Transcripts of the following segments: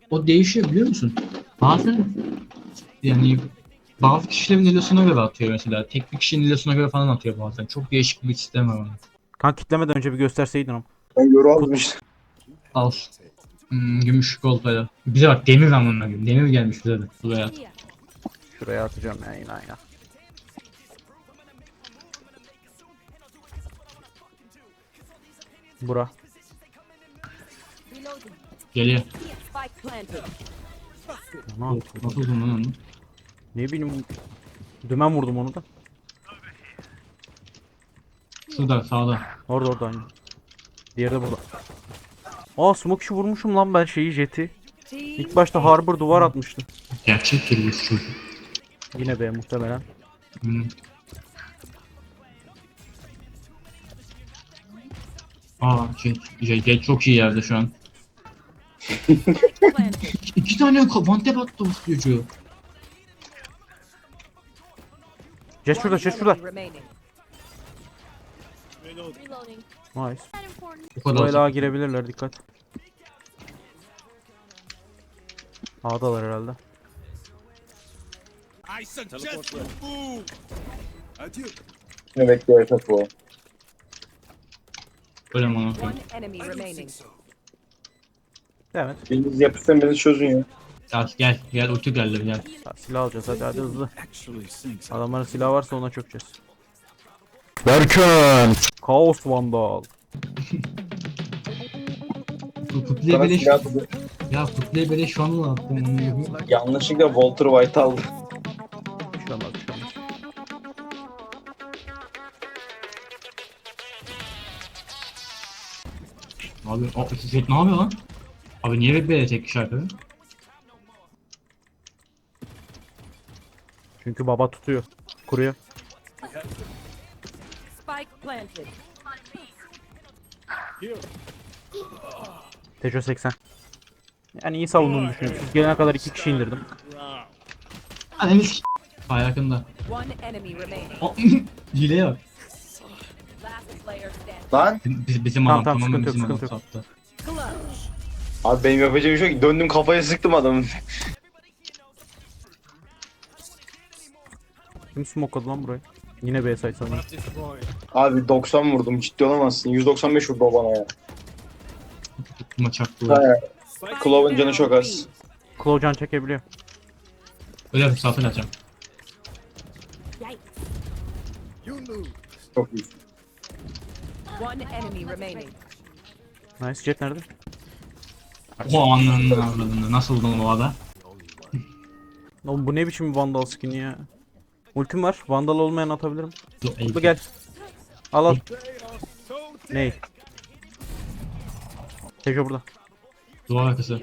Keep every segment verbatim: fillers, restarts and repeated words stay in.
o değişiyor biliyor musun? Bazen yani bazı kişilerin ilosuna göre atıyor mesela. Tek bir kişinin ilosuna göre falan atıyor bazen. Çok değişik bir sistem var onun. Kan kitlemeden önce bir gösterseydin ama. Ben yoru Kut almış. Al. Hmm, gümüş kolpayla. Bize bak demir anlamına gibi. Demir gelmiş bize de. Buraya. şuraya atacağım ya yine aynen. Bura. Geliyor. Spike planted. Aman, Of, nasıl uzun lan onu? ne bileyim. Dümen vurdum onu da. Şurada sağda. Orada orada aynı. Diğeri de burada. Aa smoke işi vurmuşum lan ben şeyi jeti. İlk başta harbor duvar atmıştı. Gerçek bir bu çocuk. Yine be muhtemelen. Hmm. Aa şey, şey, şey çok iyi yerde şu an. Planted. İki tane vantep attı bu çocuğu. Jet şurada jet şurada. Enemy remaining. Reloading. Nice. Bu Bu kadar. ela girebilirler dikkat. A'dalar herhalde. I suggest you move. Adieu. Ne bekliyor esas bu. Öyle mi onu? One enemy remaining. Evet. Biriniz yapışsan beni çözün ya. Gel gel gel ulti geldi gel. Ha, silah alacağız hadi hadi hızlı. Actually sinks. Adamların silahı varsa ona çökeceğiz. Berkan. Kaos Vandal. Bu kutluya Sana beleş. silah atacağım. Ya kutluya beleş şu an mı attım onu gibi. Yanlışlıkla Walter White aldı. Bir şey olmaz bir şey olmaz. Abi o Zed ne yapıyor lan? Abi niye böyle tek kişi arkada? Çünkü baba tutuyor. Kuruyor. Spike planted. Tejo seksen. Yani iyi savunduğunu düşünüyorum. Siz gelene kadar iki kişi indirdim. Ananı s***. Ay yakında. One enemy remaining. O hileye bak. Last player standing. Lan. Biz, bizim Tamam, adam tamam, tamamen sıkıntı yok, bizim adam sıkıntı yok. sattı. Clutch. Abi benim yapacağım bir şey yok. Döndüm kafaya sıktım adamın. Kim smokeladı lan burayı? Yine B site sanırım. Abi doksan vurdum, ciddi olamazsın. yüz doksan beş vurdu o bana ya. Tutma çaktı. He. Clove'un canı çok az. Claw can çekebiliyor. Öyle bir satın açacağım. You move. Çok iyi. One enemy remaining. Nice jet nerede? O anlamını avradını nasıl buldun o ada? Oğlum bu ne biçim Vandal skin'i ya? Ultim var. Vandal olmayan atabilirim. Dur, Bu gel. Al al. Ney? Tejo burada. Duvar arkası.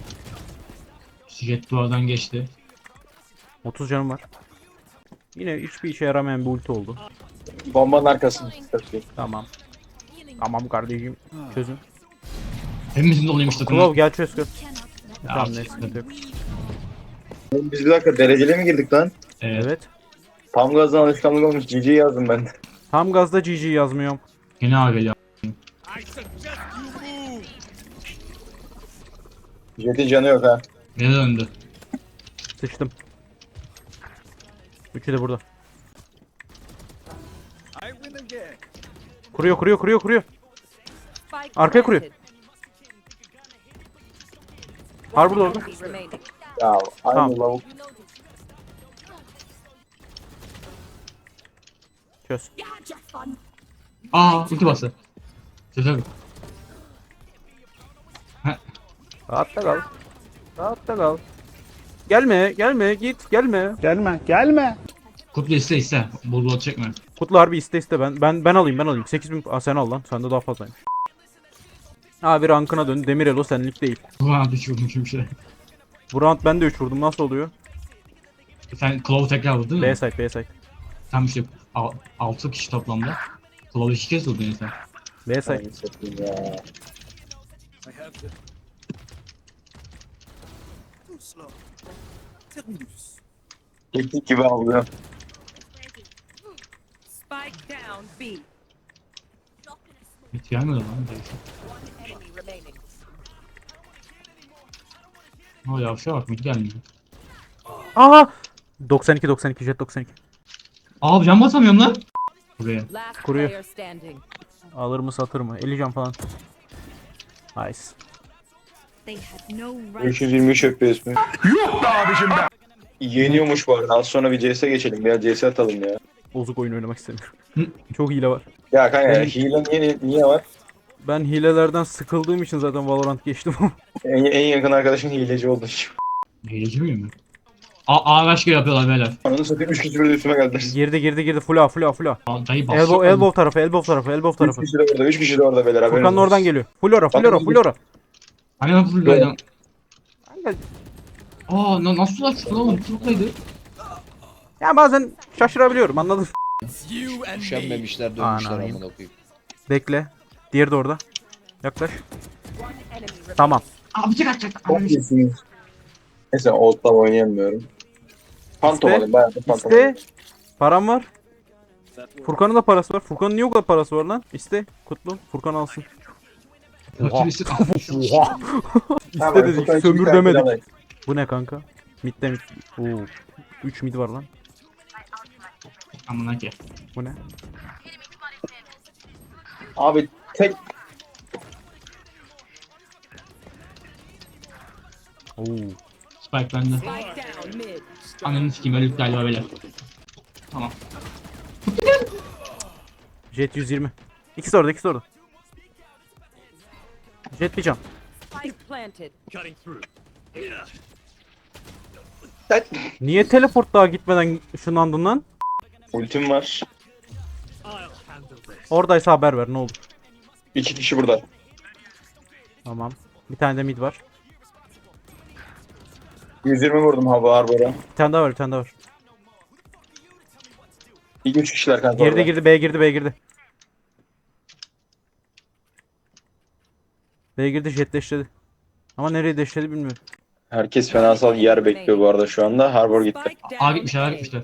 Jet duvardan geçti. otuz canım var. Yine hiçbir işe yaramayan bir ulti oldu. Bombanın arkasında. Tamam. Tamam kardeşim. Çözün. Hepimizin de olaymış takımı. Claw gel çöz gör. Ya, Tamam ne sıkıntı yok. Oğlum biz bir dakika dereceli mi girdik lan? Evet. Evet. Tam gazdan alışkanlık olmuş. G G yazdım ben. Tam gazda G G yazmıyorum. Yine ağa geliyor. I suggest you move. Jet'in canı yok ha. Yine döndü. Sıçtım. Üçü de burada. I win again. Kuruyor kuruyor kuruyor kuruyor. Spike Arkaya kuruyor. planted. Harbor orada. Enemy remaining. Ya aynı Tamam. lavuk. Çöz. Aa ulti bastı. Güzel. Rahatta kal. Rahatta kal. Gelme gelme git gelme. Gelme gelme. Kutlu iste iste. Bol bol çekme. Kutlu harbi iste iste ben ben ben alayım ben alayım. sekiz bin Aa, sen al lan. Sende daha fazlaymış. Abi rankına dön. Demir Elo senlik değil. Bu an düşürdüm şimdi şey. Bu round ben de üç vurdum. Nasıl oluyor? Sen Claw tekrar vurdun B mu? site B site. Tam işte altı kişi toplamda. Claw iki kez vurdun sen. B site. Ay, satayım ya. I have the. Too slow. Terminus. Teknik gibi alıyor. Spike down B. Hiç gelmedi lan. One enemy remaining. O yavşa bak mid gelmiyor. Aha! doksan iki doksan iki jet doksan iki. Abi can basamıyorum lan. Buraya. Last Kuruyor. player standing. Alır mı satır mı? elli can falan. Nice. They had no right. beş yüz yirmi üç F P S mi? Yok da abicim ben. Yeniyormuş bu arada. Az sonra bir C S'e geçelim. Biraz C S atalım ya. Bozuk oyun oynamak istemiyorum. Hı. Çok hile var. Ya kanka Benim- hile niye, niye var? Ben hilelerden sıkıldığım için zaten Valorant geçtim. En, en yakın arkadaşın hileci oldu. Hileci miyim ben? A ağaç gibi yapıyorlar beyler. Ananı satayım üç kişi böyle üstüme geldiler. girdi girdi girdi full A full A full A. Aa, Dayı basıyor. Elbow elbow tarafı elbow tarafı elbow üç tarafı. kişi de orada, üç kişi de orada beyler. haberiniz Furkan'ın olsun. oradan geliyor. Full ora full ora full ora. Hani ben full Aa na nasıl açtın oğlum? Tutuklaydı. Ya bazen şaşırabiliyorum anladın. You and me. Üşenmemişler dönmüşler Anam. amına koyayım. Bekle. Diğeri de orada. Yaklaş. One enemy remaining. Tamam. Aa bıçak atacak. Çok iyisiniz. Neyse Old'la oynayamıyorum. Phantom İste. alayım bayağı da Phantom İste. alayım. Param var. Furkan'ın da parası var. Furkan'ın niye o kadar parası var lan? İste. Kutlu. Furkan alsın. Rakibisi Oha. Tamam, İste dedik. Furkan için bir Sömür tane demedik. alayım. Bu ne kanka? Mid'de mid. Oo. üç mid var lan. Amına ki. Bu ne? Abi tek Oo. Spike bende. Spike down mid. Ananı sikeyim öldük galiba beyler. Tamam. Jet yüz yirmi. İkisi orada, ikisi orada. Jet bir can. Spike planted. Cutting through. Niye teleport daha gitmeden ışınlandın lan? ultim var. I'll handle this. Oradaysa haber ver ne olur. İki kişi burada. Tamam. Bir tane de mid var. yüz yirmi vurdum hava Harbor'a. Bir tane daha var, bir tane daha var. İlk üç kişiler kanka Girdi orada. girdi, B girdi, B girdi. B girdi, jet deşledi. Ama nereye deşledi bilmiyorum. Herkes fenasal yer bekliyor bu arada şu anda. Harbor gitti. Spike down. Aa gitmişler aa A. gitmişler.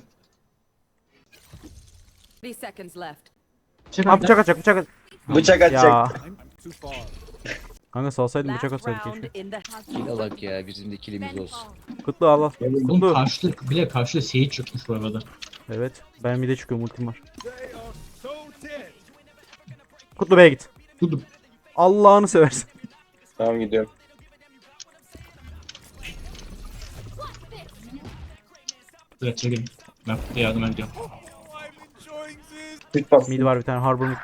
thirty seconds left. Bıçak Ha bıçak atacak, bıçak at. Bıçak atacak. Ya. I'm too far. Kanka salsaydın bıçak Last atsaydık round keşke. in the Kill alak ya bizim de killimiz olsun. Kutlu al al. Oğlum Kutlu. karşıda bile karşıda Sage çıkmış bu arada. Evet. Ben mid'e çıkıyorum, ultim var. They are so dead. Kutlu B'ye git. Dur dur. Allah'ını seversen. Tamam gidiyorum. Dur çekelim. Ben Kutlu'ya yardım ediyorum. Oh, I'm enjoying this. Quick bas. Mid var bir tane, Harbor mid'de.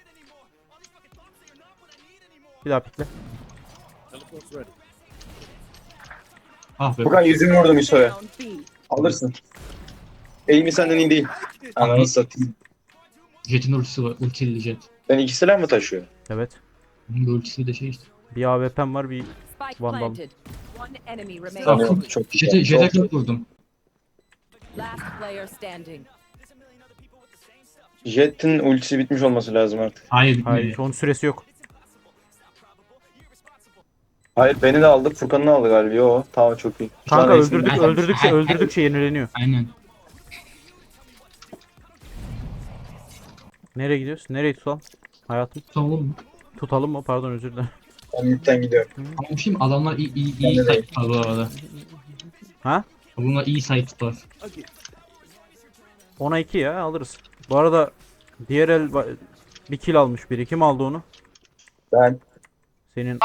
Bir daha pikle. Teleport's ready. Ah be. Furkan yüz yirmi vurdum Yusuf'a. down B. Alırsın. Eğimi senden iyi değil. Ananı satayım. Jet'in ultisi var. Ultili jet. Ben iki silah mı taşıyor? Evet. Bunun da ultisi de şey işte. Bir A W P'm var, bir Spike Vandal. planted. One enemy remaining. Tamam. Tanıyorum çok Jet'e güzel. Jet'e Çok- kırk vurdum. Last player standing. Jet'in ultisi bitmiş olması lazım artık. Hayır bitmedi. hayır, onun süresi yok. Hayır beni de aldık. Furkan'ı aldı galiba. Yo tamam çok iyi. Şu Kanka an iyisin. öldürdük, Ben- öldürdükçe öldürdükçe yenileniyor. Aynen. Nereye gidiyoruz? Nereye tutalım? Hayatım. Tamam mı? Tutalım mı? Pardon, özür dilerim. Ben midden gidiyorum. Ama bir şey mi? Adamlar iyi iyi Ben iyi de site değil. tutar bu arada. Ha? Bunlar iyi site tutar. ona iki ya, alırız. Bu arada diğer el ba- bir kill almış biri. Kim aldı onu? Ben Senin.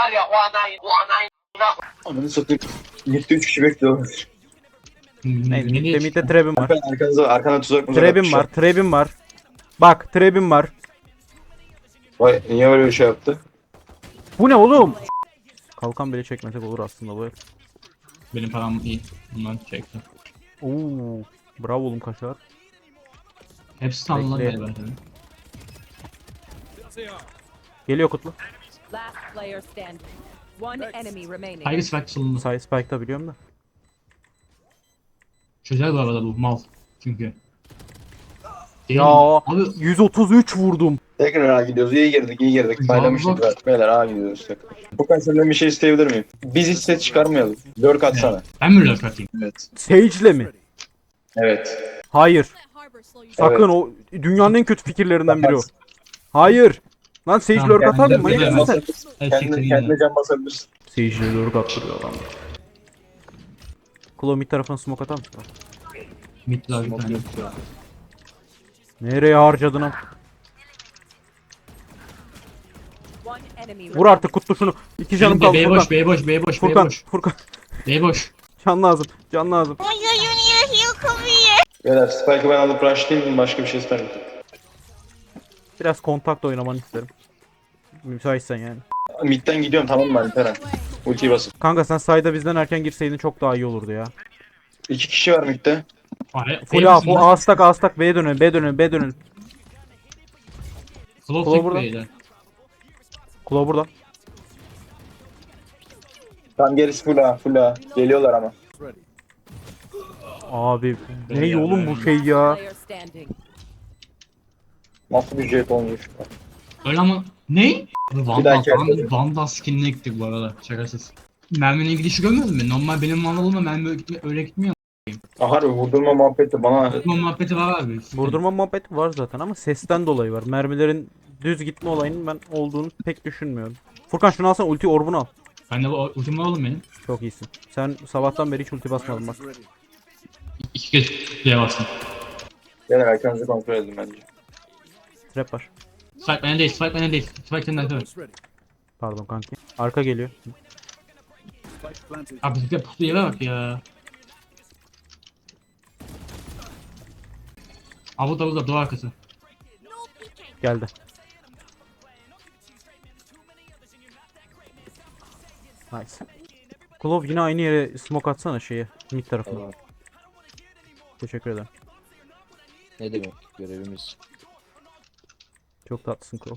ananı satayım. Midde üç kişi bekliyor. Neydi? Nereye Midde, midde çıktın? trebim var. Arkan, arkanıza, arkana tuzak mı? Trebim var, trebim var. Bak, trebim var. Vay niye böyle bir şey yaptı? Bu ne oğlum? Kalkan bile çekmesek olur aslında bu el. Benim param iyi. Bunlar çekti. Oo, bravo oğlum kaşar. Hepsi sanılan Bekle. galiba. tabii. There they are. Geliyor Kutlu. Last player standing. One enemy remaining. Tiger Spike salındı. Say Spike'da biliyorum da. Çözer bu arada bu mal. Çünkü. Değil Ya mi? Abi yüz otuz üç vurdum. Tekrar A gidiyoruz. İyi girdik, iyi girdik. Ya Paylamıştık bak. zaten. Beyler A gidiyoruz. Furkan senden bir şey isteyebilir miyim? Biz hiç set çıkarmayalım. Lurk atsana. ben mi lurk atayım? Evet. Sage'le mi? Evet. Hayır. Sakın, o dünyanın en kötü fikirlerinden biri o. Hayır. Lan Sage Tamam, lurk atar mı? kendine- Manyak kendine- mısın sen? Basabilirsin. Evet, Kendine, siktir kendine yine. can basabilirsin. Sage'le lurk attırıyor adam. Claw mid tarafına smoke atar mısın? Midler bir Smoke tane. yok şu an. Nereye harcadın am? One enemy Vur remaining. artık kutlu şunu. İki canım kaldı B Furkan. boş, B boş, B boş, B Furkan, boş. Furkan. B boş. Can lazım, can lazım. Beyler Spike'ı ben alıp rushlayayım mı? Başka bir şey istemiyorum. Biraz kontakla oynamanı isterim. Müsaitsen yani. Mid'den gidiyorum tamam mı Alperen? Ultiyi basıp. Kanka sen sayda bizden erken girseydin çok daha iyi olurdu ya. İki kişi var mid'de. Hayır. Full A, full A stack, A stack, B'ye dönün, B dönün, B dönün. Flow Flow tek burada. beyler. Claw burada. Tam gerisi full A, full A. Geliyorlar ama. Ready. Abi ne ya, oğlum bu ben- şey ya. Player standing. Nasıl bir jet olmuş. Öyle ama ne? Vandal, dahaki Vandal, arkadaşım. Vandal skinine gittik bu arada. Şakasız. Merminin gidişi görmedin mi? Normal benim Vandal'ımla mermi öyle gitme- öyle gitmiyor. Aha harbi vurdurma muhabbeti bana. Bu muhabbeti var abi. Vurdurma muhabbeti var zaten ama sesten dolayı var. Mermilerin düz gitme olayının ben olduğunu pek düşünmüyorum. Furkan şunu alsana, ulti orbunu al. Ben de bu ultim var oğlum benim. Çok iyisin. Sen sabahtan beri hiç ulti basmadın bak. Ready. İki kez diye bastım. Beyler arkanızı kontrol edin bence. Trap var. Spike bende değil, Spike bende değil. Spike senden sonra. It's ready. Pardon kanki. Arka geliyor. Spike planted. Abi bizde pusu yere bak ya. Abi burada burada duvar arkası. Geldi. Nice. Klov yine aynı yere smoke atsana şeye. Mid tarafına. Tamam. Teşekkür ederim. Ne demek görevimiz. Çok tatlısın Klov.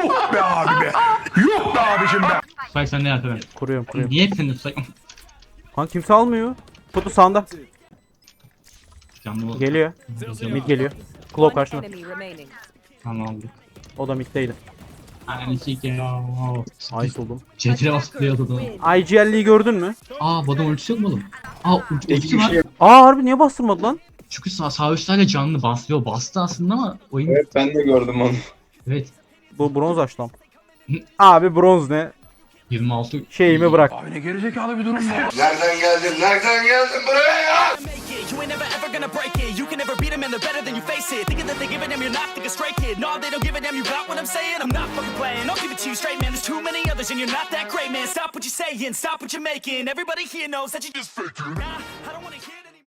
Spike sende yaptı ben. Kuruyorum kuruyorum. Niye hep sende Spike? Kan kimse almıyor. Kutu sağında. Canlı oldu. Geliyor. Mid geliyor. Klov One karşına. enemy remaining. Tamam aldık. O da middeydi. Aynen sik ya. Ice oldum. C T'ye basıp duruyordu da. I G L'yi gördün mü? Aa bu adam ultisi yok mu oğlum? Aa ulti, İki ultisi var. kişi. Aa harbi niye bastırmadı lan? Çünkü sağ, sağ üstlerde canlı bastırıyor. Bastı aslında ama oyun... Evet. Evet ben de gördüm onu. Bu bronz açtım. Abi bronz ne? yirmi altı. Şeyimi bırak. Nereden geldin? Nereden geldin buraya ya? You ain't never ever gonna break it. You can never beat them and they're better than you face it. Thinking that they give a damn, you're not thinking straight, kid. No, they don't give a damn, you got what I'm saying? I'm not fucking playing, I'll give it to you straight, man. There's too many others and you're not that great, man. Stop what you're saying, stop what you're making. Everybody here knows that you just faking. Nah, I don't wanna hear